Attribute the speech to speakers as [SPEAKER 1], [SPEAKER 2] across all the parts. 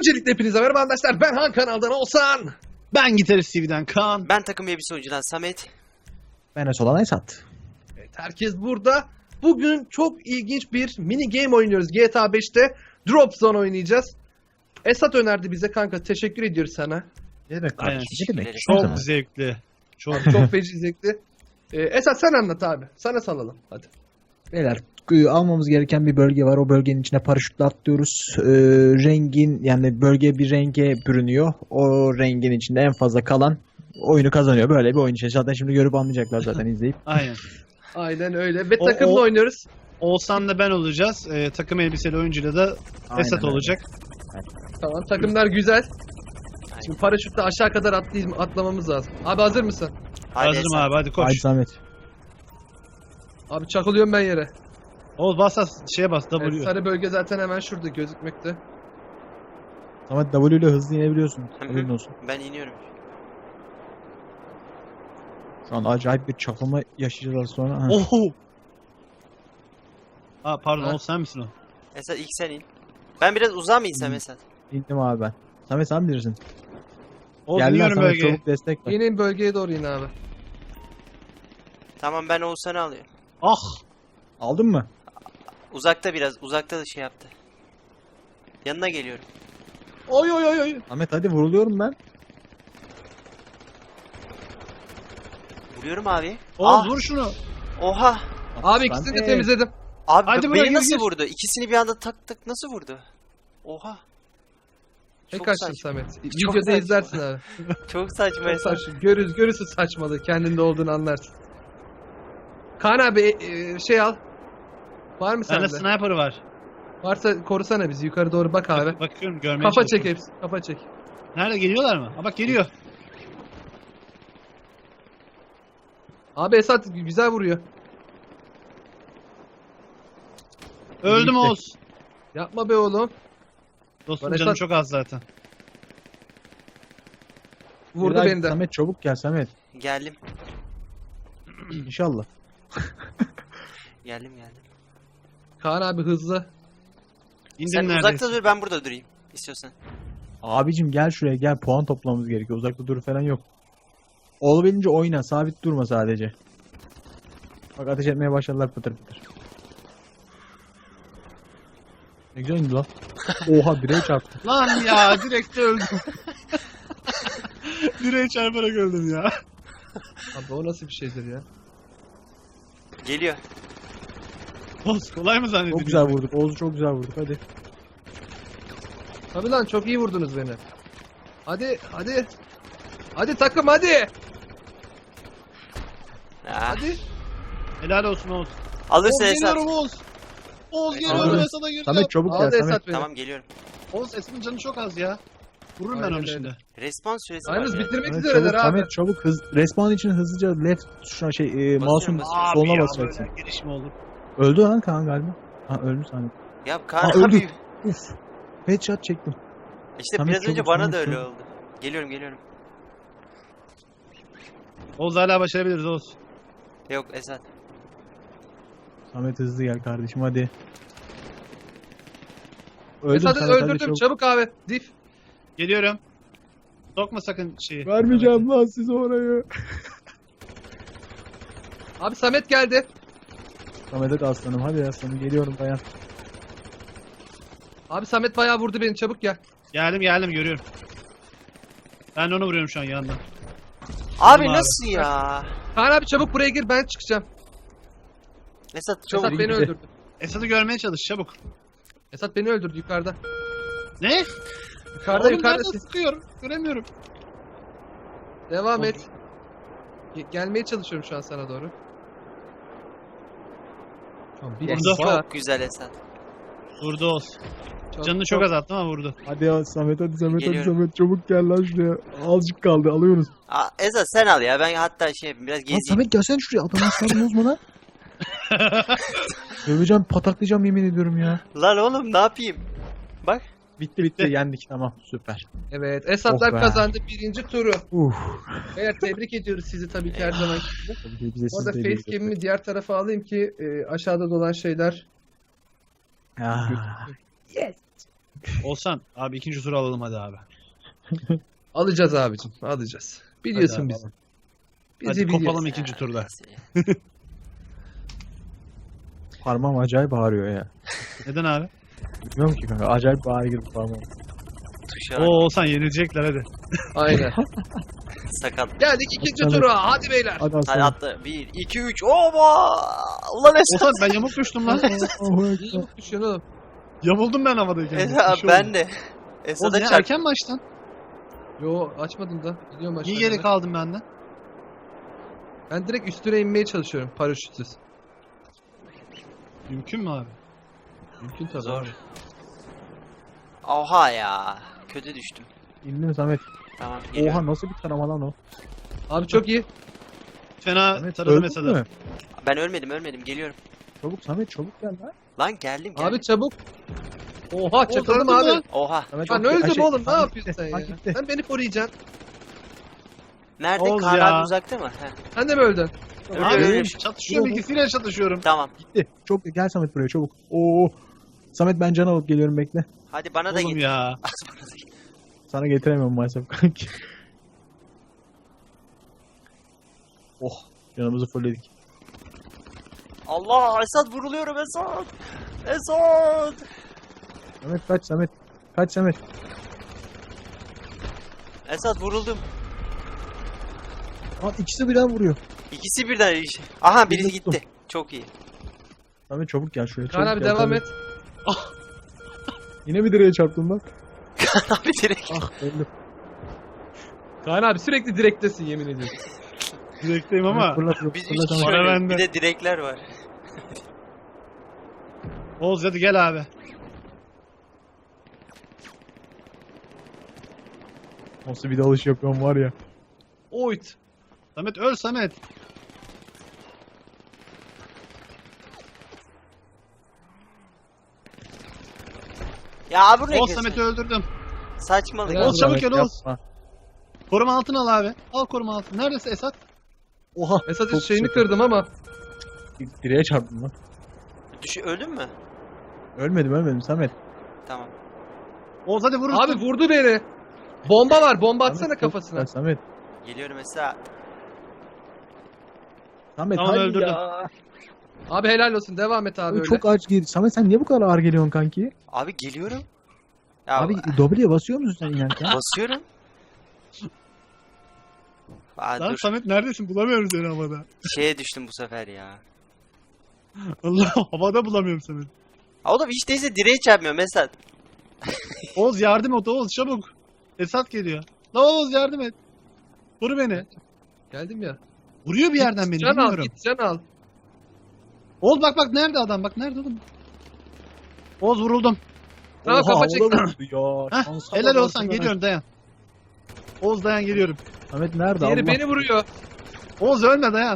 [SPEAKER 1] Öncelikle hepinize merhaba arkadaşlar. Ben Han kanaldan Oğuzhan.
[SPEAKER 2] Ben Gitarist TV'den Kaan.
[SPEAKER 3] Ben takım elbise oyuncudan Samet.
[SPEAKER 4] Ben Esolan Esat.
[SPEAKER 1] Evet, herkes burada. Bugün çok ilginç bir mini game oynuyoruz. GTA 5'te Drop Zone oynayacağız. Esat önerdi bize kanka. Teşekkür ediyoruz sana.
[SPEAKER 4] Ne demek?
[SPEAKER 2] Aynen.
[SPEAKER 4] Ne demek?
[SPEAKER 2] Çok zevkli. Çok
[SPEAKER 1] Çok feci zevkli. Esat sen anlat abi. Sana salalım. Hadi.
[SPEAKER 4] Beyler almamız gereken bir bölge var. O bölgenin içine paraşütle atlıyoruz. Rengin yani bölge bir renge bürünüyor. O rengin içinde en fazla kalan oyunu kazanıyor. Böyle bir oyun işte. Zaten şimdi görüp anlayacaklar zaten izleyip.
[SPEAKER 2] Aynen.
[SPEAKER 1] Aynen öyle. Ve takımla oynuyoruz.
[SPEAKER 2] Oğuzhan'la ben olacağız. Takım elbiseli oyuncuyla da Esat
[SPEAKER 4] Aynen
[SPEAKER 2] olacak.
[SPEAKER 1] Tamam, takımlar güzel. Şimdi paraşütle aşağı kadar atlamamız lazım. Abi hazır mısın?
[SPEAKER 2] Hazırım abi, hadi koş.
[SPEAKER 4] Haydi Samet.
[SPEAKER 1] Abi çakılıyorum ben yere.
[SPEAKER 2] Oğuz bas şeye bas W.
[SPEAKER 1] Evet, sarı bölge zaten hemen şurada gözükmekte.
[SPEAKER 4] Samet W ile hızlı inebiliyorsun.
[SPEAKER 3] Hı hı.
[SPEAKER 4] Haberin olsun.
[SPEAKER 3] Ben iniyorum.
[SPEAKER 4] Şu an acayip bir çakılma yaşayacağız az sonra. Ha.
[SPEAKER 2] Oho. Aa pardon,
[SPEAKER 1] Ha.
[SPEAKER 2] Oğuz sen misin o?
[SPEAKER 3] Esat ilk sen in. Ben biraz uzağa mı insem Esat?
[SPEAKER 4] İndim abi ben. Samet sen bilirsin.
[SPEAKER 2] Oğuz
[SPEAKER 4] Gel lan
[SPEAKER 2] iniyorum
[SPEAKER 4] Samet,
[SPEAKER 2] bölgeye.
[SPEAKER 4] çabuk destek ver.
[SPEAKER 1] Yine bölgeye doğru in abi.
[SPEAKER 3] Tamam, ben Oğuzhan'ı alıyorum.
[SPEAKER 2] Ah.
[SPEAKER 4] Aldın mı?
[SPEAKER 3] Uzakta biraz. Uzakta da şey yaptı. Yanına geliyorum.
[SPEAKER 1] Oy oy oy oy.
[SPEAKER 4] Samet hadi vuruluyorum ben.
[SPEAKER 3] Vuruyorum abi.
[SPEAKER 2] Oğuz vur şunu.
[SPEAKER 3] Oha.
[SPEAKER 1] Abi ikisini de
[SPEAKER 4] Samet.
[SPEAKER 1] temizledim.
[SPEAKER 3] Abi
[SPEAKER 2] Hadi buraya
[SPEAKER 3] beni
[SPEAKER 2] gir,
[SPEAKER 3] nasıl
[SPEAKER 2] gir.
[SPEAKER 3] vurdu? İkisini bir anda tak tak nasıl vurdu? Oha.
[SPEAKER 1] Tek
[SPEAKER 3] Çok
[SPEAKER 1] kaçtın
[SPEAKER 3] saçma.
[SPEAKER 1] Samet.
[SPEAKER 3] Çok
[SPEAKER 1] Videoda
[SPEAKER 3] saçma.
[SPEAKER 1] izlersin abi.
[SPEAKER 3] Çok saçma
[SPEAKER 1] Çok
[SPEAKER 3] Esat.
[SPEAKER 1] saçma. Görürsün saçmalığı. Kendinde olduğunu anlarsın. Kaan abi şey al. Var mı
[SPEAKER 2] Bende
[SPEAKER 1] sende?
[SPEAKER 2] sniper var.
[SPEAKER 1] Varsa korusana bizi. Yukarı doğru bak abi.
[SPEAKER 2] Bakıyorum, görmeye
[SPEAKER 1] Kafa çek
[SPEAKER 2] çalışıyorum.
[SPEAKER 1] hepsi. Kafa çek.
[SPEAKER 2] Nerede, geliyorlar mı? Ha bak geliyor.
[SPEAKER 1] Abi Esat güzel vuruyor.
[SPEAKER 2] Öldüm
[SPEAKER 4] Gitti.
[SPEAKER 2] Oğuz.
[SPEAKER 1] Yapma be oğlum.
[SPEAKER 2] Dostum
[SPEAKER 1] Lan
[SPEAKER 2] canım
[SPEAKER 1] Esat-
[SPEAKER 2] çok az zaten.
[SPEAKER 1] Vurdu
[SPEAKER 4] Bilal,
[SPEAKER 1] beni de.
[SPEAKER 4] Samet çabuk gel Samet.
[SPEAKER 3] Geldim.
[SPEAKER 4] İnşallah.
[SPEAKER 3] Geldim.
[SPEAKER 1] Kaan abi hızlı.
[SPEAKER 2] İndim
[SPEAKER 3] Sen
[SPEAKER 2] neredeyse.
[SPEAKER 3] uzakta dur, ben burada durayım. İstiyorsan.
[SPEAKER 4] Abicim gel şuraya gel, puan toplamamız gerekiyor. Uzakta dur falan yok. Olabildiğince oyna, sabit durma sadece. Bak ateş etmeye başladılar pıtır pıtır. Ne güzel indi lan. Oha direğe çarptı.
[SPEAKER 2] Lan ya, direkt öldüm. Direğe çarparak öldüm ya.
[SPEAKER 1] Abi o nasıl bir şeydir ya?
[SPEAKER 3] Geliyor.
[SPEAKER 2] Oğuz kolay mı zannediyorsun?
[SPEAKER 4] Çok güzel vurduk. Oğuz'u çok güzel vurduk, hadi.
[SPEAKER 1] Tabii lan çok iyi vurdunuz beni. Hadi hadi. Hadi takım hadi.
[SPEAKER 3] Ah.
[SPEAKER 1] Hadi.
[SPEAKER 2] Helal olsun Oğuz.
[SPEAKER 3] Alırsın
[SPEAKER 2] Oğuz
[SPEAKER 3] Esat.
[SPEAKER 2] geliyorum Oğuz. Oğuz geliyorum,
[SPEAKER 4] Aldım.
[SPEAKER 2] Esat'a gireceğim.
[SPEAKER 4] Samet çabuk gel
[SPEAKER 1] Aldı
[SPEAKER 4] Samet.
[SPEAKER 1] Esat beni.
[SPEAKER 3] Tamam, geliyorum.
[SPEAKER 2] Oğuz Esat'ın canı çok az ya. Vururum ben
[SPEAKER 1] Aynen
[SPEAKER 2] onu
[SPEAKER 1] öyle.
[SPEAKER 2] şimdi.
[SPEAKER 3] Respawn süresi var.
[SPEAKER 1] Yalnız
[SPEAKER 3] ya.
[SPEAKER 1] bitirmek
[SPEAKER 4] Samet
[SPEAKER 1] üzereler
[SPEAKER 4] çabuk,
[SPEAKER 1] abi.
[SPEAKER 4] Samet çabuk respawn için hızlıca left şuna mouse'un
[SPEAKER 3] basıyorum.
[SPEAKER 4] soluna
[SPEAKER 2] Abi ya,
[SPEAKER 4] basacaksın.
[SPEAKER 2] böyle giriş mi olur?
[SPEAKER 4] Öldü lan Kaan galiba. Ha öldü Samet.
[SPEAKER 3] Ya Kaan
[SPEAKER 4] Aa, öldü.
[SPEAKER 3] abi.
[SPEAKER 4] Uf. Headshot çektim.
[SPEAKER 3] İşte
[SPEAKER 4] Samet
[SPEAKER 3] biraz önce
[SPEAKER 4] çabuk,
[SPEAKER 3] bana
[SPEAKER 4] Samet
[SPEAKER 3] da öyle
[SPEAKER 4] çabuk.
[SPEAKER 3] oldu. Geliyorum.
[SPEAKER 2] Oğuz hala başarabiliriz Oğuz.
[SPEAKER 3] Yok Esat.
[SPEAKER 4] Samet hızlı gel kardeşim hadi. Öldüm
[SPEAKER 1] Esat'ı
[SPEAKER 4] Samet, hadi
[SPEAKER 1] öldürdüm.
[SPEAKER 4] çabuk.
[SPEAKER 1] Çabuk abi. Dif.
[SPEAKER 2] Geliyorum. Sokma sakın şeyi.
[SPEAKER 4] Vermeyeceğim lan size orayı.
[SPEAKER 1] Abi Samet geldi.
[SPEAKER 4] Samet hadi aslanım, hadi aslanım, geliyorum dayan.
[SPEAKER 1] Abi Samet bayağı vurdu beni. Çabuk gel.
[SPEAKER 2] Geldim görüyorum. Ben de onu vuruyorum şu an yandan.
[SPEAKER 3] Abi
[SPEAKER 2] abi.
[SPEAKER 3] nasıl ya?
[SPEAKER 1] Kaan abi çabuk buraya gir. Ben çıkacağım.
[SPEAKER 3] Esat çok
[SPEAKER 1] Esat beni
[SPEAKER 4] gitti.
[SPEAKER 1] öldürdü.
[SPEAKER 2] Esat'ı görmeye çalış çabuk.
[SPEAKER 1] Esat beni öldürdü yukarıda.
[SPEAKER 2] Ne?
[SPEAKER 1] Yukarıda
[SPEAKER 2] Oğlum
[SPEAKER 1] yukarıda.
[SPEAKER 2] nerede sıkıyor? Göremiyorum.
[SPEAKER 1] Devam
[SPEAKER 2] Oğlum.
[SPEAKER 1] et. Gelmeye çalışıyorum şu an sana doğru. Tamam, bir
[SPEAKER 2] Vurdu.
[SPEAKER 1] dakika.
[SPEAKER 3] çok güzel Esat.
[SPEAKER 2] Vurdu Oğuz. Canını çok azalttım ama vurdu.
[SPEAKER 4] Hadi ya Samet, hadi Samet, hadi
[SPEAKER 3] Geliyorum.
[SPEAKER 4] Samet, çabuk gel lan şuraya. Azıcık kaldı, alıyoruz.
[SPEAKER 3] Aa, Esat sen al ya, ben hatta şey yapayım, biraz
[SPEAKER 4] Lan
[SPEAKER 3] gezeyim.
[SPEAKER 4] Samet gelsene şuraya, adamın aslanı bozma lan. Döveceğim, pataklayacağım yemin ediyorum ya.
[SPEAKER 3] Lan oğlum ne yapayım? Bak.
[SPEAKER 4] Bitti yendik, tamam, süper.
[SPEAKER 1] Evet, Esatlar
[SPEAKER 4] Oh be.
[SPEAKER 1] kazandı birinci turu.
[SPEAKER 4] Uf.
[SPEAKER 1] Evet, tebrik ediyoruz sizi tabii ki her zaman.
[SPEAKER 4] Tabii ki bize
[SPEAKER 1] Bu arada
[SPEAKER 4] siz de
[SPEAKER 1] facecam'imi diğer tarafa alayım ki aşağıda dolan şeyler.
[SPEAKER 4] Ah.
[SPEAKER 2] Olsan abi ikinci turu alalım hadi abi.
[SPEAKER 1] Alacağız abicim. Alacağız. Biliyorsun
[SPEAKER 2] Hadi
[SPEAKER 1] bizi.
[SPEAKER 2] alalım.
[SPEAKER 1] Bizi
[SPEAKER 2] Hadi
[SPEAKER 1] biliyorsun.
[SPEAKER 2] kopalım ikinci turda.
[SPEAKER 4] Parmağım acayip ağrıyor ya.
[SPEAKER 2] Neden abi?
[SPEAKER 4] Bilmiyorum ki kanka. Acayip ağrı girdi parmağım.
[SPEAKER 3] Tuşa
[SPEAKER 2] Oo Olsan yenilecekler hadi.
[SPEAKER 1] Aynen.
[SPEAKER 3] sakat.
[SPEAKER 1] Geldik ikinci
[SPEAKER 4] Tabii.
[SPEAKER 1] tura. Hadi beyler.
[SPEAKER 4] Hadi
[SPEAKER 3] Hadi
[SPEAKER 4] aslanım.
[SPEAKER 3] atla. 1, 2, 3. Oba! Ulan Esat.
[SPEAKER 2] Olsan ben yamuk düştüm lan.
[SPEAKER 4] Allahu Ekber.
[SPEAKER 1] İyi düşüyorsun oğlum.
[SPEAKER 2] Yamuldum ben havadayken.
[SPEAKER 3] Esat
[SPEAKER 2] Bir şey
[SPEAKER 3] ben
[SPEAKER 2] oldu.
[SPEAKER 3] de.
[SPEAKER 2] Oğlum
[SPEAKER 3] Esat'a
[SPEAKER 2] ya
[SPEAKER 3] çarp.
[SPEAKER 2] erken baştan.
[SPEAKER 1] Yo açmadım da. Gidiyorum
[SPEAKER 2] Niye
[SPEAKER 1] aşağıya.
[SPEAKER 2] geri kaldım benden?
[SPEAKER 1] Ben direkt üstüne inmeye çalışıyorum paraşütsüz.
[SPEAKER 2] Mümkün mü abi?
[SPEAKER 1] Mümkün tabii.
[SPEAKER 3] Zor.
[SPEAKER 1] abi.
[SPEAKER 3] Oha ya. Kötü düştüm.
[SPEAKER 4] İndin mi Samet?
[SPEAKER 3] Tamam geliyorum.
[SPEAKER 4] Oha nasıl bir tarama lan o?
[SPEAKER 1] Abi çok iyi.
[SPEAKER 2] Fena
[SPEAKER 4] Samet
[SPEAKER 2] taradı
[SPEAKER 4] öldün
[SPEAKER 2] mesela.
[SPEAKER 4] mü?
[SPEAKER 3] Ben ölmedim geliyorum.
[SPEAKER 4] Çabuk Samet çabuk gel lan.
[SPEAKER 3] Lan geldim.
[SPEAKER 1] Abi çabuk. Oha çakıldım
[SPEAKER 2] öldün mü
[SPEAKER 1] abi.
[SPEAKER 2] lan?
[SPEAKER 3] Oha.
[SPEAKER 4] Samet,
[SPEAKER 1] Ben
[SPEAKER 4] okey.
[SPEAKER 1] öldüm
[SPEAKER 4] Şey,
[SPEAKER 1] oğlum. Ne
[SPEAKER 4] Samet
[SPEAKER 1] yapıyorsun
[SPEAKER 4] gitti,
[SPEAKER 1] sen ya?
[SPEAKER 4] Samet gitti.
[SPEAKER 1] Sen beni koruyacaksın.
[SPEAKER 3] Nerede?
[SPEAKER 2] Oğuz
[SPEAKER 3] Kaan
[SPEAKER 2] ya.
[SPEAKER 3] abi uzakta mı? Heh.
[SPEAKER 1] Sen de mi öldün?
[SPEAKER 3] Öyle
[SPEAKER 2] Abi
[SPEAKER 3] öyle.
[SPEAKER 2] çatışıyorum ikisiyle çatışıyorum.
[SPEAKER 3] Tamam.
[SPEAKER 4] Gitti. Çok gel Samet buraya çabuk. Oo. Samet ben can alıp geliyorum bekle.
[SPEAKER 3] Hadi bana da
[SPEAKER 2] Oğlum
[SPEAKER 3] git.
[SPEAKER 2] ya.
[SPEAKER 4] Sana getiremiyorum maalesef kanki. Oh. Canımızı fullledik.
[SPEAKER 3] Allah Esat vuruluyorum Esat. Esat.
[SPEAKER 4] Samet kaç Samet. Kaç Samet.
[SPEAKER 3] Esat vuruldum.
[SPEAKER 4] Aa, ikisi birden vuruyor.
[SPEAKER 3] İkisi birden. Aha birisi
[SPEAKER 4] Birini tuttum.
[SPEAKER 3] gitti. Çok iyi.
[SPEAKER 4] Samet çabuk gel şuraya.
[SPEAKER 1] Kaan
[SPEAKER 4] çabuk
[SPEAKER 1] abi
[SPEAKER 4] gel,
[SPEAKER 1] devam
[SPEAKER 4] Samet.
[SPEAKER 1] et.
[SPEAKER 4] Yine bir direğe çarptım lan.
[SPEAKER 3] Kaan abi direkt.
[SPEAKER 4] Ah öldüm.
[SPEAKER 1] Kaan abi sürekli direktesin yemin ediyorum.
[SPEAKER 2] Direkteyim ama.
[SPEAKER 4] Fırlat, fırlat,
[SPEAKER 3] Biz
[SPEAKER 4] fırlat
[SPEAKER 3] 3 kişi
[SPEAKER 4] Samet.
[SPEAKER 2] Para
[SPEAKER 3] oynuyoruz.
[SPEAKER 2] bende.
[SPEAKER 3] Bir de direkler var.
[SPEAKER 2] Oğuz hadi gel abi.
[SPEAKER 4] Nasıl bir dalış yapıyorum var ya.
[SPEAKER 1] Oyt.
[SPEAKER 2] Samet öl Samet.
[SPEAKER 3] Ya abi bu ne?
[SPEAKER 2] Oğuz Samet'i öldürdüm.
[SPEAKER 3] Saçmalık.
[SPEAKER 1] Helal
[SPEAKER 2] Oğuz çabuk gel Oğuz.
[SPEAKER 4] Yapma.
[SPEAKER 2] Koruma altına al abi. Al koruma altına. Neredesin Esat?
[SPEAKER 4] Oha.
[SPEAKER 1] Esat
[SPEAKER 4] Çok
[SPEAKER 1] şeyini
[SPEAKER 4] kötü.
[SPEAKER 1] kırdım ama.
[SPEAKER 4] Direğe çarptım lan.
[SPEAKER 3] Öldün mü?
[SPEAKER 4] Ölmedim Samet.
[SPEAKER 3] Tamam.
[SPEAKER 2] Oğuz hadi vurursun.
[SPEAKER 1] Abi vurdu beni. Bomba var. Bomba atsana
[SPEAKER 4] Samet,
[SPEAKER 1] kafasına.
[SPEAKER 4] çok güzel, Samet.
[SPEAKER 3] Geliyorum Esat.
[SPEAKER 4] Samet
[SPEAKER 2] Tamam,
[SPEAKER 4] hadi
[SPEAKER 2] öldürdüm.
[SPEAKER 4] ya.
[SPEAKER 1] Abi helal olsun. Devam et abi öyle.
[SPEAKER 4] Çok aç gir. Samet sen niye bu kadar ağır geliyorsun kanki?
[SPEAKER 3] Abi geliyorum. Ya
[SPEAKER 4] Abi W'ye basıyor musun sen inerken?
[SPEAKER 3] basıyorum. Aa,
[SPEAKER 2] Lan
[SPEAKER 3] dur.
[SPEAKER 2] Samet neredesin? Bulamıyorum seni havada.
[SPEAKER 3] Şeye düştüm bu sefer ya.
[SPEAKER 2] Allah havada bulamıyorum Samet.
[SPEAKER 3] Oğlum hiç değilse direğe çarpmıyor Esat.
[SPEAKER 2] Oğuz yardım et Oğuz çabuk. Esat geliyor. La Oğuz yardım et. Vur beni.
[SPEAKER 1] Geldim ya.
[SPEAKER 2] Vuruyor bir yerden beni
[SPEAKER 1] Can al
[SPEAKER 2] bilmiyorum.
[SPEAKER 1] git can al.
[SPEAKER 2] Oğuz bak nerede adam bak nerede oğlum. Oğuz vuruldum.
[SPEAKER 1] Tamam
[SPEAKER 4] Oha,
[SPEAKER 1] kafa
[SPEAKER 4] o da
[SPEAKER 1] çektim.
[SPEAKER 4] vurdu ya.
[SPEAKER 2] Heh,
[SPEAKER 4] Şansa
[SPEAKER 2] helal
[SPEAKER 4] bak,
[SPEAKER 2] olsan
[SPEAKER 4] Samet.
[SPEAKER 2] geliyorum dayan. Oğuz dayan geliyorum.
[SPEAKER 4] Samet nerede?
[SPEAKER 1] Diğeri
[SPEAKER 4] Allah.
[SPEAKER 1] beni vuruyor.
[SPEAKER 2] Oğuz ölme dayan.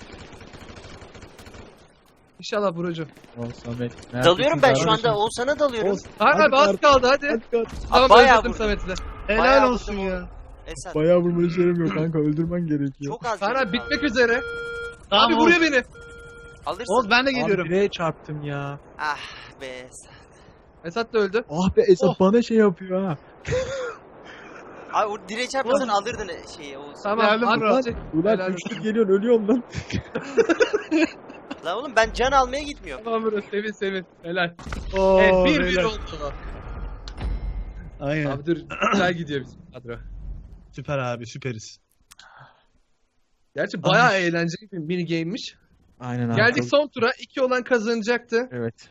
[SPEAKER 1] İnşallah vurucu.
[SPEAKER 4] Oh, Samet.
[SPEAKER 3] Dalıyorum ben şu
[SPEAKER 4] Kardeşim.
[SPEAKER 3] anda. Oğuzhan'a dalıyorum.
[SPEAKER 2] Oğuz
[SPEAKER 1] Kaan
[SPEAKER 4] Hadi
[SPEAKER 1] abi az
[SPEAKER 4] Kaan.
[SPEAKER 1] kaldı hadi.
[SPEAKER 4] Hadi, hadi.
[SPEAKER 1] Tamam
[SPEAKER 3] bayağı
[SPEAKER 1] öldürdüm
[SPEAKER 3] vurdum.
[SPEAKER 1] Samet'i de.
[SPEAKER 2] helal
[SPEAKER 3] Bayağı
[SPEAKER 2] olsun
[SPEAKER 3] vurdum
[SPEAKER 2] ya.
[SPEAKER 3] Esat.
[SPEAKER 4] Bayağı vurmanı söylemiyor kanka. Öldürmen gerekiyor.
[SPEAKER 3] Çok az.
[SPEAKER 1] Kaan
[SPEAKER 3] canım
[SPEAKER 1] abi
[SPEAKER 3] kaldı.
[SPEAKER 1] bitmek üzere.
[SPEAKER 2] Tamam,
[SPEAKER 1] Abi
[SPEAKER 2] Oğuz.
[SPEAKER 1] vuruyor beni.
[SPEAKER 3] Alırsın.
[SPEAKER 2] Oğuz ben de
[SPEAKER 4] Abi
[SPEAKER 2] geliyorum.
[SPEAKER 4] direğe çarptım ya.
[SPEAKER 3] Ah be Esat.
[SPEAKER 1] Esat da öldü.
[SPEAKER 4] Ah be Esat
[SPEAKER 2] Oh.
[SPEAKER 4] bana şey yapıyor ha.
[SPEAKER 3] Abi o direğe çarpmasan alırdın şeyi Oğuz.
[SPEAKER 1] Tamam
[SPEAKER 2] Geldim
[SPEAKER 1] abi.
[SPEAKER 2] bro.
[SPEAKER 1] çek.
[SPEAKER 4] Ulan
[SPEAKER 1] Helal
[SPEAKER 4] güçlü geliyorsun ölüyorum lan.
[SPEAKER 3] Lan oğlum ben can almaya gitmiyorum.
[SPEAKER 1] Tamam bro sevin. Helal.
[SPEAKER 2] Oo,
[SPEAKER 1] Evet 1-1
[SPEAKER 2] beyler.
[SPEAKER 1] oldu.
[SPEAKER 2] Aynen.
[SPEAKER 1] Abi dur güzel gidiyor bizim kadro.
[SPEAKER 2] Süper abi süperiz.
[SPEAKER 1] Gerçi bayağı eğlenceli bir mini game'miş.
[SPEAKER 4] Aynen abi.
[SPEAKER 1] Geldik
[SPEAKER 4] çok-
[SPEAKER 1] son tura. 2 olan kazanacaktı.
[SPEAKER 4] Evet.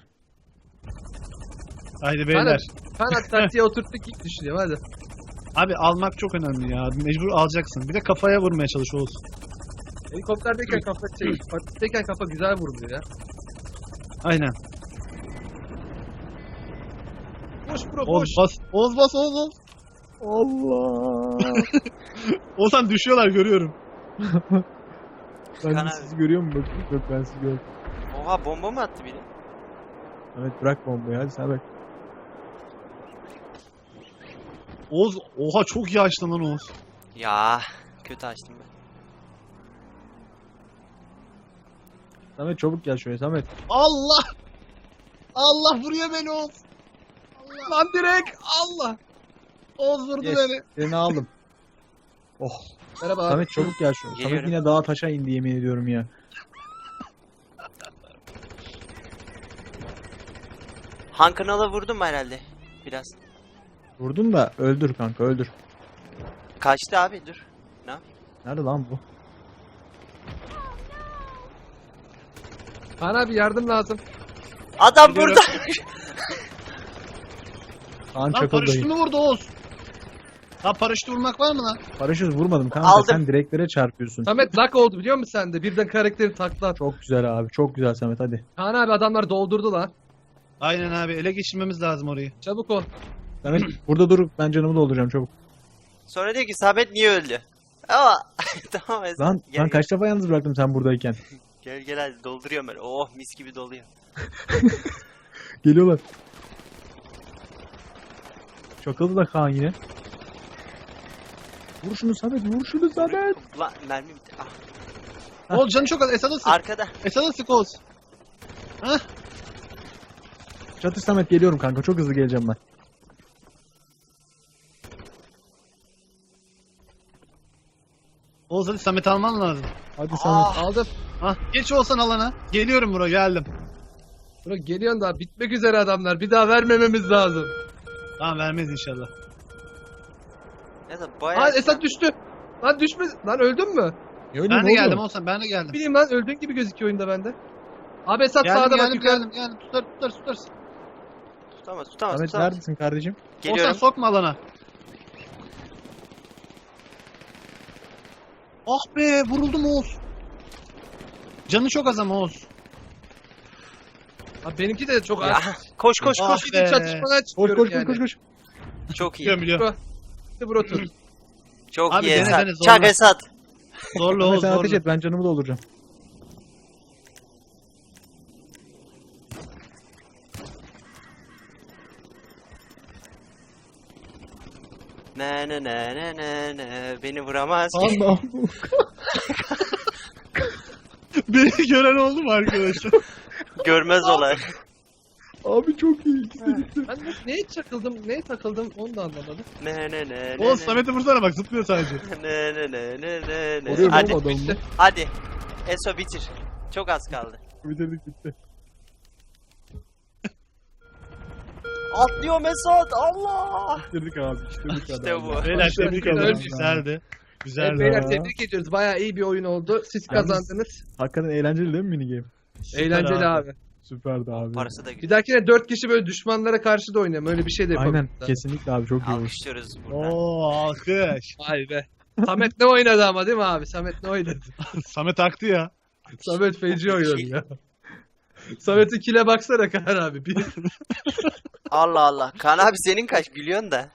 [SPEAKER 2] Haydi beyler.
[SPEAKER 1] Kaan abi taktiğe oturttuk ilk düşünüyorum hadi.
[SPEAKER 2] Abi almak çok önemli ya. Mecbur alacaksın. Bir de kafaya vurmaya çalış Oğuz.
[SPEAKER 1] Helikopterdeyken kafa patikteyken kafa güzel vuruluyor ya.
[SPEAKER 2] Aynen.
[SPEAKER 1] Boş bro boş.
[SPEAKER 2] Oğuz bas. Oğuz bas Oğuz.
[SPEAKER 4] Allah.
[SPEAKER 2] Oğuzhan düşüyorlar görüyorum.
[SPEAKER 4] Ben
[SPEAKER 3] Kaan
[SPEAKER 4] de
[SPEAKER 3] abi.
[SPEAKER 4] sizi görüyor musun? Bakayım. Yok ben sizi görüyorum.
[SPEAKER 3] Oha bomba mı attı biri?
[SPEAKER 4] Evet bırak bombayı hadi sen bak.
[SPEAKER 2] Oğuz oha çok iyi açtın lan Oğuz.
[SPEAKER 3] Ya kötü açtım ben.
[SPEAKER 4] Samet çabuk gel şuraya Samet.
[SPEAKER 2] Allah! Allah vuruyor beni Oğuz. Allah!
[SPEAKER 1] Lan direkt Allah.
[SPEAKER 2] Oğuz vurdu
[SPEAKER 4] Yes.
[SPEAKER 2] beni.
[SPEAKER 4] Seni aldım. Oh.
[SPEAKER 1] Merhaba abi.
[SPEAKER 4] Samet çabuk gel şu. Samet
[SPEAKER 3] Geliyorum.
[SPEAKER 4] yine dağa taşa indi yemin ediyorum ya.
[SPEAKER 3] Han kanala vurdum herhalde. Biraz.
[SPEAKER 4] Vurdun da öldür kanka öldür.
[SPEAKER 3] Kaçtı abi dur. Ne yapayım?
[SPEAKER 4] Nerede lan bu?
[SPEAKER 1] Kaan abi yardım lazım.
[SPEAKER 3] Adam
[SPEAKER 2] Biliyorum.
[SPEAKER 3] burada.
[SPEAKER 4] Kaan
[SPEAKER 2] Lan
[SPEAKER 4] çakıl
[SPEAKER 2] paraşütü
[SPEAKER 4] dayı.
[SPEAKER 2] mü vurdu Oğuz? Lan paraşütü vurmak var mı lan?
[SPEAKER 4] Paraşüt vurmadım kanka
[SPEAKER 3] Aldım.
[SPEAKER 4] sen direklere çarpıyorsun.
[SPEAKER 1] Samet lak oldu biliyor musun sen de? Birden karakteri takla at.
[SPEAKER 4] Çok güzel abi çok güzel Samet hadi.
[SPEAKER 1] Kaan abi adamlar doldurdu lan.
[SPEAKER 2] Aynen abi ele geçirmemiz lazım orayı.
[SPEAKER 1] Çabuk ol.
[SPEAKER 4] Samet burada dur ben canımı dolduracağım çabuk.
[SPEAKER 3] Sonra diyor ki Samet niye öldü? Ama tamam Esat.
[SPEAKER 4] Lan,
[SPEAKER 3] Gel,
[SPEAKER 4] lan
[SPEAKER 3] gel.
[SPEAKER 4] kaç defa yalnız bıraktım sen buradayken.
[SPEAKER 3] Gel gel hadi dolduruyorum ben. Oh mis gibi doluyor.
[SPEAKER 4] Geliyorlar. Çakıldı da Kaan yine. Vur şunu Samet vur şunu Samet.
[SPEAKER 3] Lan mermi bitti. Ah,
[SPEAKER 2] Oğuz canı çok az. Esad'a sık.
[SPEAKER 3] arkada.
[SPEAKER 2] Esad'a sık Oğuz. Hah.
[SPEAKER 4] Çatır Samet geliyorum kanka çok hızlı geleceğim ben.
[SPEAKER 2] Oğuz hadi Samet alman lazım.
[SPEAKER 4] Hadi Samet.
[SPEAKER 3] Ah,
[SPEAKER 1] Aldım.
[SPEAKER 2] Hah. Geç olsan alana. Geliyorum buraya geldim.
[SPEAKER 1] Bura geliyorsun daha bitmek üzere adamlar. Bir daha vermememiz lazım.
[SPEAKER 2] Tamam vermez inşallah.
[SPEAKER 3] ya da bayağı.
[SPEAKER 1] Aa Esat düştü. Lan düşme. Lan öldün mü?
[SPEAKER 2] Ben de geldim Oğuzhan ben de geldim.
[SPEAKER 1] Bileyim lan öldüğün gibi gözüküyor oyunda bende. Abi Esat
[SPEAKER 2] Geldim
[SPEAKER 1] sağda bak
[SPEAKER 2] geldim
[SPEAKER 1] yukarı.
[SPEAKER 2] geldim. Tutar.
[SPEAKER 3] Tutamaz
[SPEAKER 4] Samet
[SPEAKER 3] tutamaz.
[SPEAKER 4] neredesin kardeşim?
[SPEAKER 2] Oğuzhan
[SPEAKER 3] Geliyorum.
[SPEAKER 2] sokma alana. Ah be vuruldum Oğuz. Canı çok az ama Oğuz.
[SPEAKER 1] Abi benimki de çok
[SPEAKER 3] Ya,
[SPEAKER 1] az.
[SPEAKER 3] koş koş
[SPEAKER 2] Ah
[SPEAKER 3] koş.
[SPEAKER 1] Gidin
[SPEAKER 2] be.
[SPEAKER 1] çatışmadan
[SPEAKER 4] Koş
[SPEAKER 1] çıkıyorum
[SPEAKER 4] koş
[SPEAKER 1] yani.
[SPEAKER 4] koş koş.
[SPEAKER 3] Çok iyi.
[SPEAKER 2] Biliyorum biliyorum.
[SPEAKER 1] Hadi bro tut.
[SPEAKER 3] Çok
[SPEAKER 2] Abi
[SPEAKER 3] iyi
[SPEAKER 2] dene,
[SPEAKER 3] Esat.
[SPEAKER 2] dene, zorla.
[SPEAKER 3] Çak Esat.
[SPEAKER 2] Zorla
[SPEAKER 4] Samet
[SPEAKER 2] Oğuz
[SPEAKER 4] sen ateş
[SPEAKER 2] zorla.
[SPEAKER 4] et ben canımı dolduracağım.
[SPEAKER 3] Ne ne ne ne ne ne beni vuramaz ki.
[SPEAKER 4] Allah.
[SPEAKER 2] Beni gören oldu mu arkadaşlar?
[SPEAKER 3] Görmez olay.
[SPEAKER 4] Abi çok iyi. İkisi de gitti.
[SPEAKER 1] Ben neye çakıldım, neye takıldım onu da anlamadım.
[SPEAKER 3] Ne ne ne
[SPEAKER 2] Oğuz
[SPEAKER 3] ne
[SPEAKER 2] Samet'i vursana bak zıplıyor sadece.
[SPEAKER 3] ne ne ne ne ne ne.
[SPEAKER 4] Vuruyorum
[SPEAKER 3] Hadi
[SPEAKER 4] oğlum adamı.
[SPEAKER 3] hadi. Eso bitir. Çok az kaldı.
[SPEAKER 4] Bitirdik bitti.
[SPEAKER 3] Atlıyorum Esat. Allah.
[SPEAKER 4] Bitirdik abi. Bitirdik
[SPEAKER 3] İşte
[SPEAKER 4] adamı.
[SPEAKER 3] bu.
[SPEAKER 2] Beyler tebrik ederim.
[SPEAKER 1] Ölmüş.
[SPEAKER 2] Güzeldi.
[SPEAKER 1] Evet,
[SPEAKER 2] Güzeldi.
[SPEAKER 1] beyler tebrik ediyoruz. Bayağı iyi bir oyun oldu. Siz
[SPEAKER 4] Yalnız-
[SPEAKER 1] kazandınız.
[SPEAKER 4] Hakikaten eğlenceli değil mi minigame?
[SPEAKER 2] Süper
[SPEAKER 1] Eğlenceli abi.
[SPEAKER 4] Süperdi abi.
[SPEAKER 3] Parası da
[SPEAKER 1] Bir
[SPEAKER 3] güzel.
[SPEAKER 1] dahakine 4 kişi böyle düşmanlara karşı da oynayalım. Öyle bir şey de yapalım.
[SPEAKER 4] Aynen kesinlikle abi çok iyi olmuş.
[SPEAKER 3] Alkışlıyoruz buradan.
[SPEAKER 2] Oo alkış.
[SPEAKER 1] Vay be. Samet ne oynadı ama değil mi abi? Samet ne oynadı?
[SPEAKER 2] Samet aktı ya.
[SPEAKER 1] Samet feci oynadı ya. Samet'in kile baksana Kaan abi. Bir...
[SPEAKER 3] Allah Allah. Kaan abi senin kaç gülüyorsun da.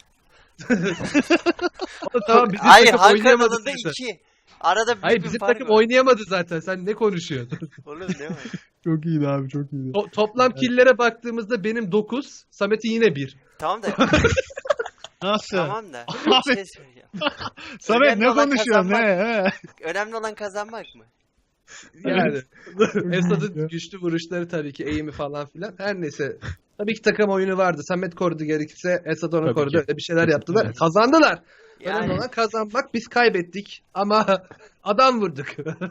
[SPEAKER 1] tamam bizim
[SPEAKER 3] Hayır
[SPEAKER 1] takım
[SPEAKER 3] Han
[SPEAKER 1] oynayamadı
[SPEAKER 3] kanalında
[SPEAKER 1] zaten.
[SPEAKER 3] 2. Arada bir
[SPEAKER 1] Hayır
[SPEAKER 3] bir
[SPEAKER 1] bizim
[SPEAKER 3] fark
[SPEAKER 1] takım
[SPEAKER 3] var.
[SPEAKER 1] oynayamadı zaten. Sen ne konuşuyorsun?
[SPEAKER 3] Oğlum ne var?
[SPEAKER 4] Çok iyiydi abi çok iyiydi.
[SPEAKER 1] Toplam killere baktığımızda benim 9, Samet'in yine 1.
[SPEAKER 3] Tamam da
[SPEAKER 2] Nasıl?
[SPEAKER 3] tamam da.
[SPEAKER 2] Abi.
[SPEAKER 3] Bir şey söyleyeceğim.
[SPEAKER 2] Samet
[SPEAKER 3] Önemli
[SPEAKER 2] ne
[SPEAKER 3] olan
[SPEAKER 2] konuşuyorsun ne?
[SPEAKER 3] kazanmak.
[SPEAKER 2] He?
[SPEAKER 3] Önemli olan kazanmak mı?
[SPEAKER 1] Yani
[SPEAKER 4] Evet.
[SPEAKER 1] Esad'ın güçlü vuruşları tabii ki eğimi falan filan. Her neyse. Tabii ki takım oyunu vardı. Samet korudu gerekirse Esad onu
[SPEAKER 4] Tabii
[SPEAKER 1] korudu.
[SPEAKER 4] ki.
[SPEAKER 1] Öyle bir şeyler yaptılar.
[SPEAKER 4] Evet.
[SPEAKER 1] Kazandılar. Önemli
[SPEAKER 3] Yani
[SPEAKER 1] olan kazanmak. Biz kaybettik ama adam vurduk.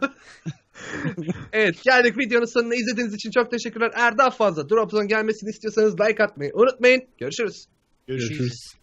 [SPEAKER 1] Evet geldik videonun sonuna. İzlediğiniz için çok teşekkürler. Eğer daha fazla Dropzone gelmesini istiyorsanız like atmayı unutmayın. Görüşürüz.
[SPEAKER 2] Görüşürüz.